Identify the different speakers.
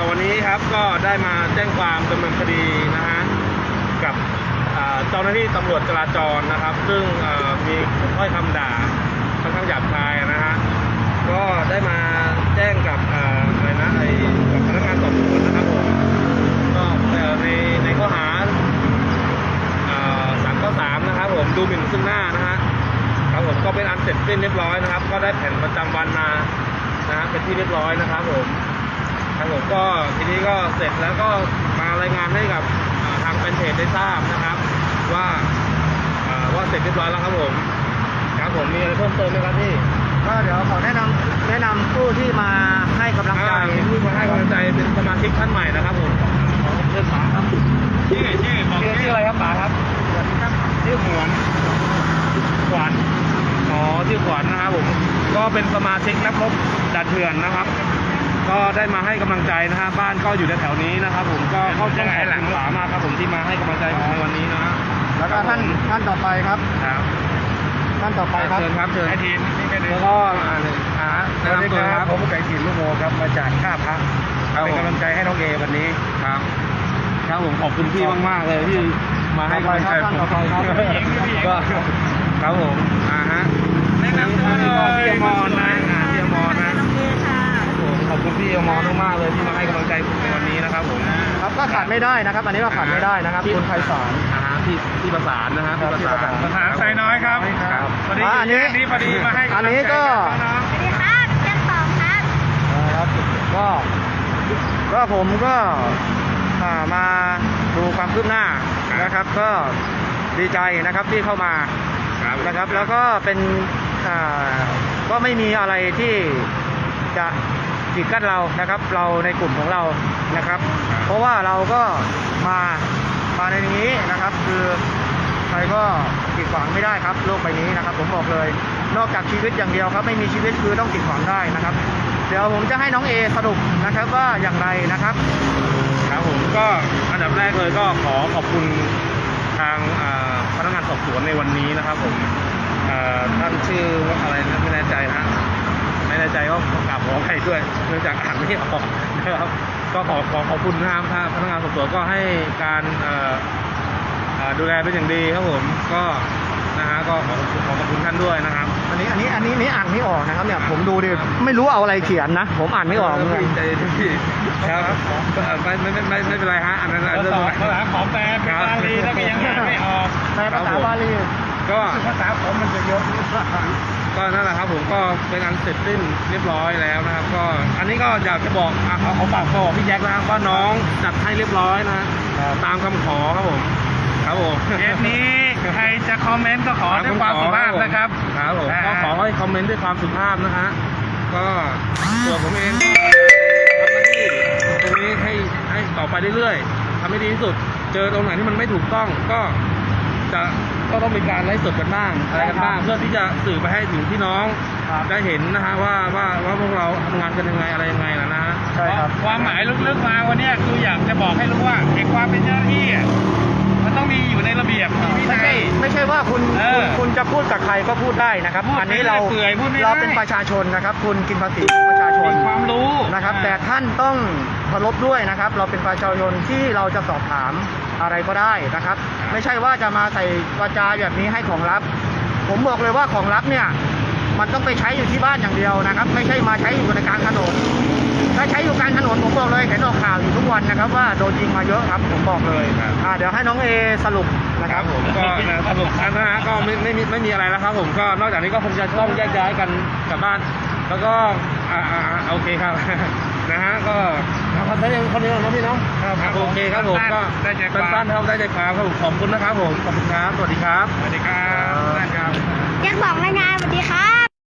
Speaker 1: วันนี้ครับก็ได้มาแจ้งความดำเนินคดีนะฮะกับเจ้าหน้าที่ตำรวจจราจรนะครับซึ่งมีถ้อยคำด่าค่อนข้างหยาบคายนะฮะก็ได้มาแจ้งกับอะไรนะกับพนักงานสอบสวนนะครับผมก็ในข้อหา3 ข้อ 3นะครับผมดูหมิ่นซึ่งหน้านะฮะครับผมก็เป็นอันเสร็จสิ้นเรียบร้อยนะครับก็ได้แผ่นประจำวันมานะฮะเป็นที่เรียบร้อยนะครับผมครับผมก็ทีนี้ก็เสร็จแล้วก็มารายงานให้กับทางแฟนเพจได้ทราบนะครับว่าเสร็จเรียบร้อยแล้วครับผมครับผมมีอะไรเพิ่มเติมไหมครับพี่
Speaker 2: ก็เดี๋ยวขอแนะนำผู้ที่มาให้กำลังใจ
Speaker 1: ผู้มาให้กำลังใจเป็นสมาชิกท่านใหม่นะครับผมเชิญป๋าครับชื่ออะไรครับป๋าครับชื่อขวัญอ๋อชื่อขวัญนะครับผมก็เป็นสมาชิกนักรบด่านเถื่อนนะครับก็ได้มาให้กำลังใจนะฮะบ้านก็อยู่แถวๆนี้นะครับผมก็ต้องขอบคุณป๋ามากครับผมที่มาให้กำลังใจผมในวันนี้นะ
Speaker 2: แล้วก็ท่านต่อไปครับท่านต่อไปครับ
Speaker 1: เชิญครับเชิญ
Speaker 2: ทีม
Speaker 1: แล้วก็แนะนำตัวครับ
Speaker 2: ผมไก่ถิ่นลูกโมครับมาจากท่าพระเป็นกำลังใจให้น้องเอวันนี้
Speaker 1: ครับครับผมขอบคุณพี่มากๆเลยที่มาให้กำลังใจผมก็ครับผมแนะนำตัวพี่อมรนะพี่อมรนะผมขอบคุณพี่อมรมากๆเลยที่มาให้กำลังใจผมในวันนี้นะครับผม
Speaker 2: ครับก็ขาดไม่ได้นะครับอันนี้ก็ขาดไม่ได้นะครับคุณไพศาล
Speaker 1: ที่ประสานนะฮะที่ประสาน
Speaker 3: ไซน้อยครับ
Speaker 2: อันนี้
Speaker 3: พอดีมาให้
Speaker 2: อันนี้ก็
Speaker 4: สวัสดีครับเชียงสองครับ
Speaker 2: ครับก็ผมก็มาดูความคืบหน้านะครับก็ดีใจนะครับที่เข้ามานะครับแล้วก็เป็นก็ไม่มีอะไรที่จะกีดกั้นเรานะครับเราในกลุ่มของเรานะครับเพราะว่าเราก็มาในนี้นะครับคือใครก็กีดขวางไม่ได้ครับโลกใบนี้นะครับผมบอกเลยนอกจากชีวิตอย่างเดียวครับไม่มีชีวิตคือต้องกีดขวางได้นะครับเดี๋ยวผมจะให้น้องเอสรุปนะครับว่าอย่างไรนะครับ
Speaker 1: ครับผมก็อันดับแรกเลยก็ขอขอบคุณทางพนักงานสอบสวนในวันนี้นะครับผมท่านชื่อว่าอะไรนะไม่แน่ใจนะไม่แน่ใจก็กราบขออภัยด้วยเนื่องจากอ่านไม่ออกนะครับก็ขอบคุณนะครับพนักงานสอบสวนก็ให้การดูแลเป็นอย่างดีครับผมก็นะฮะก็ขอขอบคุณท่านด้วยนะครับ
Speaker 2: อันนี้อ่านไม่ออกนะครับเนี่ยผมดูดิไม่รู้เอาอะไรเขียนนะผมอ่านไม่ออกเลย
Speaker 1: ครับไม่เป็นไรฮะอันนั้นเรื่อง
Speaker 3: ภาษาของแปลเป็นบาลีแล้วก็ยังอ่านไม่ออก
Speaker 2: แปลภาษาบาลี
Speaker 1: ก็
Speaker 3: ภาษาผมมันจะเยอะ
Speaker 1: ก็นั่นแหละครับผมก็เป็นอันเสร็จสิ้นเรียบร้อยแล้วนะครับก็อันนี้ก็อยากจะบอกเขาฝากบอกพี่แจ็คนะครับว่าน้องจัดให้เรียบร้อยนะตามคำขอครับผม
Speaker 3: เคสนี้ใครจะคอมเมนต์ก็ขอด้วยความสุภาพนะครับ
Speaker 1: ครับผมก็ขอให้คอมเมนต์ด้วยความสุภาพนะฮะก็ตัวผมเองทำหน้าที่ตรงนี้ให้ต่อไปเรื่อยๆทำให้ดีที่สุดเจอตรงไหนที่มันไม่ถูกต้องก็ต้องมีการไลฟ์สดกันบ้างอะไรกันบ้างเพื่อที่จะสื่อไปให้ถึงพี่น้องได้เห็นนะฮะว่าพวกเราทำงานกันยังไงอะไรยังไงนะฮะ
Speaker 2: ใช่ครับ
Speaker 3: ความหมายลึกๆมาวันนี้คืออยากจะบอกให้รู้ว่าเอกความเป็นเจ้าหน้าที่มันต้องมีอยู่ในระเบียบ
Speaker 2: ไม่ใช่ว่าคุณจะพูดกับใครก็พูดได้นะครับอันนี้เราเป็นประชาชนนะครับคุณกินภาษีของประชาชน
Speaker 3: มีความรู้
Speaker 2: นะครับแต่ท่านต้องเคารพด้วยนะครับเราเป็นประชาชนที่เราจะสอบถามอะไรก็ได้นะครับไม่ใช่ว่าจะมาใส่วาจาแบบนี้ให้ของลับผมบอกเลยว่าของลับเนี่ยมันต้องไปใช้อยู่ที่บ้านอย่างเดียวนะครับไม่ใช่มาใช้อยู่ในกลางถนนถ้าใช้อยู่กลางถนนผมบอกเลยเห็นออกข่าวอยู่ทุกวันนะครับว่าโดนยิงมาเยอะครับผมบอกเลยเดี๋ยวให้น้องเอสรุปนะครับ
Speaker 1: ผมก็สรุปนะฮะก็ไม่มีอะไรแล้วครับผมก็นอกจากนี้ก็คงจะต้องแยกย้ายกันกลับบ้านแล้วก็โอเคครับนะฮะก็คนนี้นะพี่น้องโอเคครับผมก็สั้นๆครับได้ใจความครับผมขอบคุณนะครับผมขอบคุณครับสวัสดีครับ
Speaker 3: สวัสดีครับ
Speaker 4: ยังบอกรายงานสวัสดีครับ